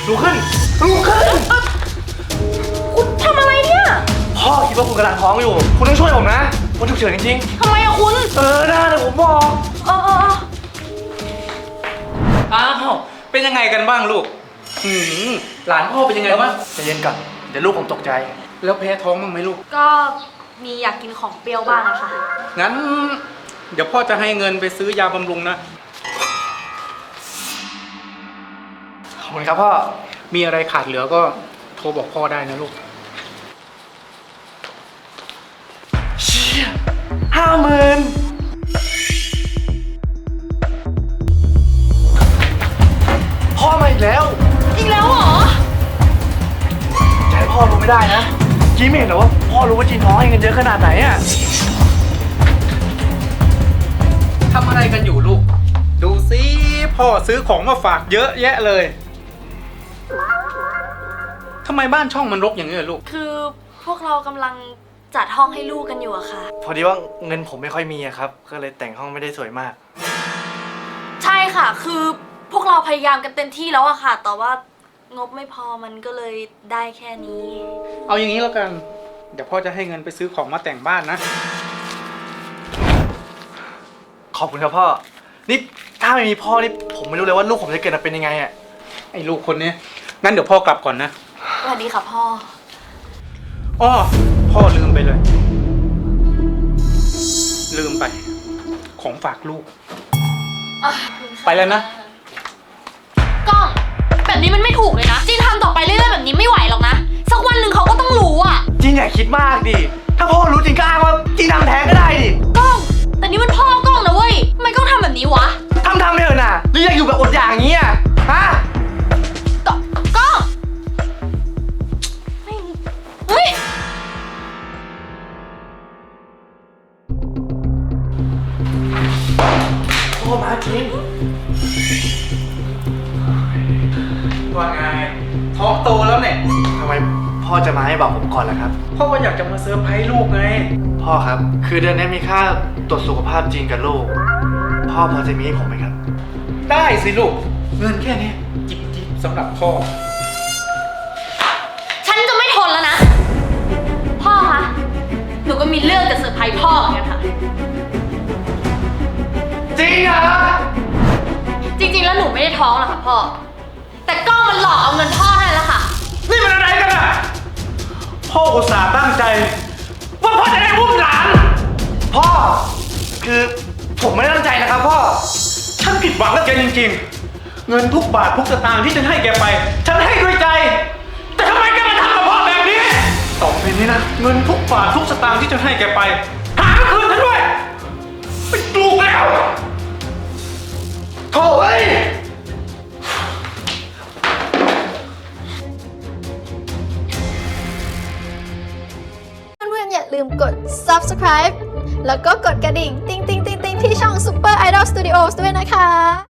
ลุกขึ้นลุกขึ้นคุณทำอะไรเนี่ยพ่อคิดว่าคุณกำลังท้องอยู่คุณต้องช่วยผมนะมันฉุกเฉินจริงทำไมอะคุณได้เดี๋ยวผมบอกอ้าวเป็นยังไงกันบ้างลูกหลานพ่อเป็นยังไงบ้างใจเย็นก่อนเดี๋ยวลูกผมตกใจแล้วแพ้ท้องบ้างไหมลูกก็มีอยากกินของเปรี้ยวบ้างอะค่ะงั้นเดี๋ยวพ่อจะให้เงินไปซื้อยาบำรุงนะขอบคุณครับพ่อมีอะไรขาดเหลือก็โทรบอกพ่อได้นะลูกเชี่ย50,000พ่อมาอีกแล้วเหรอจะให้พ่อรู้ไม่ได้นะจีไม่เห็นเหรอว่าพ่อรู้ว่าจีนท้องให้เงินเยอะขนาดไหนอะทำอะไรกันอยู่ลูกดูสิพ่อซื้อของมาฝากเยอะแยะเลยทำไมบ้านช่องมันรกอย่างนี้ลูกคือพวกเรากำลังจัดห้องให้ลูกกันอยู่อะค่ะพอดีว่าเงินผมไม่ค่อยมีอะครับก็เลยแต่งห้องไม่ได้สวยมากใช่ค่ะคือพวกเราพยายามกันเต็มที่แล้วอะค่ะแต่ว่างบไม่พอมันก็เลยได้แค่นี้เอาอย่างนี้แล้วกันเดี๋ยวพ่อจะให้เงินไปซื้อของมาแต่งบ้านนะขอบคุณครับพ่อนี่ถ้าไม่มีพ่อนี่ผมไม่รู้เลยว่าลูกผมจะเกิดมาเป็นยังไงอะไอ้ลูกคนนี้งั้นเดี๋ยวพ่อกลับก่อนนะสวัสดีค่ะพ่อพ่อลืมไปเลยลืมไปของฝากลูกไปแล้วนะก้องแบบนี้มันไม่ถูกเลยนะจีนทำต่อไปเรื่อยๆแบบนี้ไม่ไหวหรอกนะสักวันหนึ่งเขาก็ต้องรู้อ่ะจีนอย่าคิดมากดิถ้าพ่อรู้จริงก็อ้างว่าจีนทำแท้งก็ได้ดิก้องแต่นี่มันพ่อก้องนะเว้ยทำไมก้องทำแบบนี้วะทำไปเถอะน่ะหรืออยากอยู่แบบอดอยากอย่างนี้อ่ะฮะก้องเฮ้ยพ่อมาจีนว่าไงท้องโตแล้วเนี่ยทำไมพ่อจะมาให้บอกผมก่อนล่ะครับพ่อก็อยากจะมาเซอร์ไพรส์ลูกไงพ่อครับคือเดือนนี้มีค่าตรวจสุขภาพจีนกับลูกพ่อพอจะมีให้ผมไหมครับได้สิลูกเงินแค่นี้จิบสำหรับพ่อฉันจะไม่ทนแล้วนะพ่อคะหนูก็มีเรื่องจะเซอร์ไพรส์พ่อเหมือนกันค่ะจริงเหรอจริงๆแล้วหนูไม่ได้ท้องหรอกค่ะพ่อแต่ก้องมันหลอกเอาเงินพ่อให้แล้วค่ะนี่มันอะไรกันอ่ะพ่ออุตส่าห์ตั้งใจว่าพ่อจะได้อุ้มหลานพ่อคือผมไม่ได้ตั้งใจนะครับพ่อฉันผิดหวังกับแกจริงๆเงินทุกบาททุกสตางค์ที่ฉันให้แกไปฉันให้ด้วยใจแต่ทำไมแกมาทำกับพ่อแบบนี้ต่อไปนี้นะเงินทุกบาททุกสตางค์ที่ฉันให้แกไปหาคืนฉันด้วยไม่ปลูกแล้วโถ่เอ้ยเพื่อนๆอย่าลืมกด subscribe แล้วก็กดกระดิ่งติ๊งๆๆๆที่ช่อง Super Idol Studios ด้วยนะคะ